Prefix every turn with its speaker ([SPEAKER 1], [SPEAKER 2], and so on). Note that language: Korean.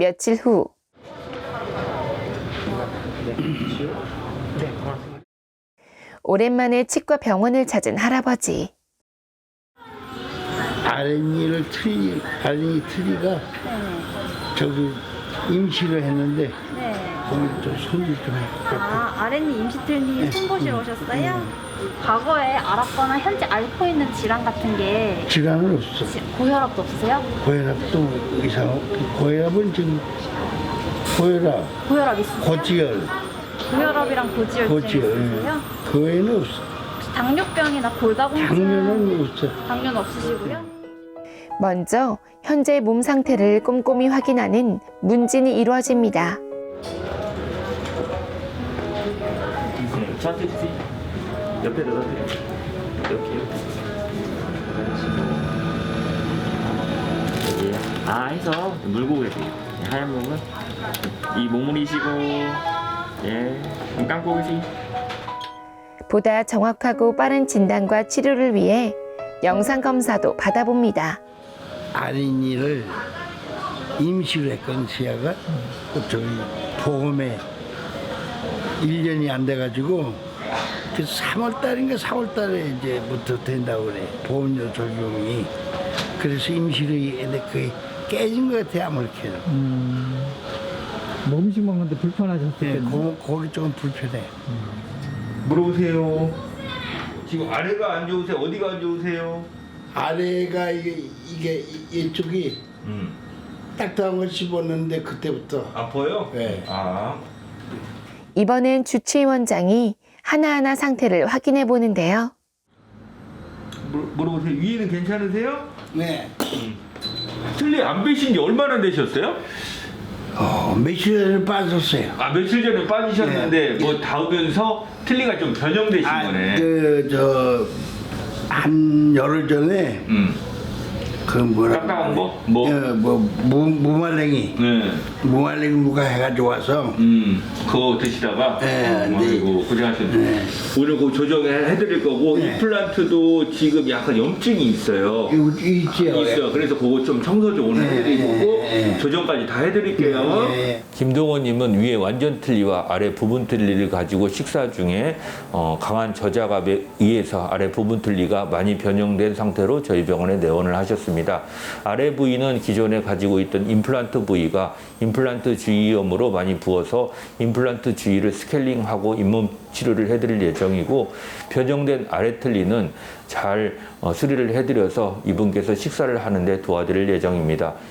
[SPEAKER 1] 며칠 후 오랜만에 치과 병원을 찾은 할아버지.
[SPEAKER 2] 아랫니를 아랫니 트리가 저기 임시를 했는데 거기 좀 손질 좀 해.
[SPEAKER 3] 아랫니 임시틀니 손보시러 오셨어요? 과거에 알았거나 현재 앓고 있는 질환 같은 게
[SPEAKER 2] 질환은 없어.
[SPEAKER 3] 고혈압도 없으세요?
[SPEAKER 2] 고혈압도 고혈압은 지금
[SPEAKER 3] 고혈압 있으세요?
[SPEAKER 2] 고지혈,
[SPEAKER 3] 고혈압이랑 고지혈증 있으세요?
[SPEAKER 2] 그 외에는 없어.
[SPEAKER 3] 혹시 당뇨병이나 골다공증
[SPEAKER 2] 당뇨는 없어.
[SPEAKER 3] 당뇨는 없으시고요?
[SPEAKER 1] 먼저 현재 몸 상태를 꼼꼼히 확인하는 문진이 이루어집니다.
[SPEAKER 4] 저한테 주세요. 옆에 넣어드려요. 이렇게요. 여기 해서 물고 계세요. 하얀 몸은 이 몸무리시고 눈 감고 계세요.
[SPEAKER 1] 보다 정확하고 빠른 진단과 치료를 위해 영상 검사도 받아봅니다.
[SPEAKER 2] 아랫니를 임시로 했건 시야가 저기 보험에 1년이 안 돼가지고 그 3월달인가 4월달에 이제부터 된다고 그래. 보험료 적용이. 그래서 임시로 했는데 그게 깨진 것 같아 아무렇게나.
[SPEAKER 5] 음식 먹는데 불편하셨겠네요.
[SPEAKER 2] 거기 조금 불편해.
[SPEAKER 6] 물어보세요. 지금 아래가 안 좋으세요? 어디가 안 좋으세요?
[SPEAKER 2] 아래가 이게 이쪽이 딱딱한 걸 씹었는데 그때부터.
[SPEAKER 6] 아파요?
[SPEAKER 2] 네.
[SPEAKER 1] 이번엔 주치의원장이 하나하나 상태를 확인해 보는데요.
[SPEAKER 6] 물어보세요. 위에는 괜찮으세요?
[SPEAKER 2] 네.
[SPEAKER 6] 틀니 안 빼신 지 얼마나 되셨어요?
[SPEAKER 2] 며칠 전에 빠졌어요.
[SPEAKER 6] 며칠 전에 빠지셨는데
[SPEAKER 2] 네.
[SPEAKER 6] 뭐 닿으면서 틀니가 좀 변형되신 거네.
[SPEAKER 2] 한 열흘 전에 그
[SPEAKER 6] 딱딱한 거? 뭐?
[SPEAKER 2] 무말랭이.
[SPEAKER 6] 네.
[SPEAKER 2] 무말랭이 무가 해가지고 와서.
[SPEAKER 6] 그거 드시다가
[SPEAKER 2] 네,
[SPEAKER 6] 아이고 고생하셨네.
[SPEAKER 2] 네.
[SPEAKER 6] 오늘 그 조정해드릴 거고
[SPEAKER 2] 네.
[SPEAKER 6] 임플란트도 지금 약간 염증이 있어요.
[SPEAKER 2] 있지요.
[SPEAKER 6] 있어요. 그래서 그거 좀 청소 좀 오늘 해드리고 조정까지 다 해드릴게요.
[SPEAKER 7] 김동원님은 위에 완전 틀니와 아래 부분 틀니를 가지고 식사 중에 강한 저자갑에 의해서 아래 부분 틀니가 많이 변형된 상태로 저희 병원에 내원을 하셨습니다. 아래 부위는 기존에 가지고 있던 임플란트 부위가 임플란트 주위염으로 많이 부어서 임플란트 주위를 스케일링하고 잇몸 치료를 해드릴 예정이고 변형된 아래 틀니는 잘 수리를 해드려서 이분께서 식사를 하는데 도와드릴 예정입니다.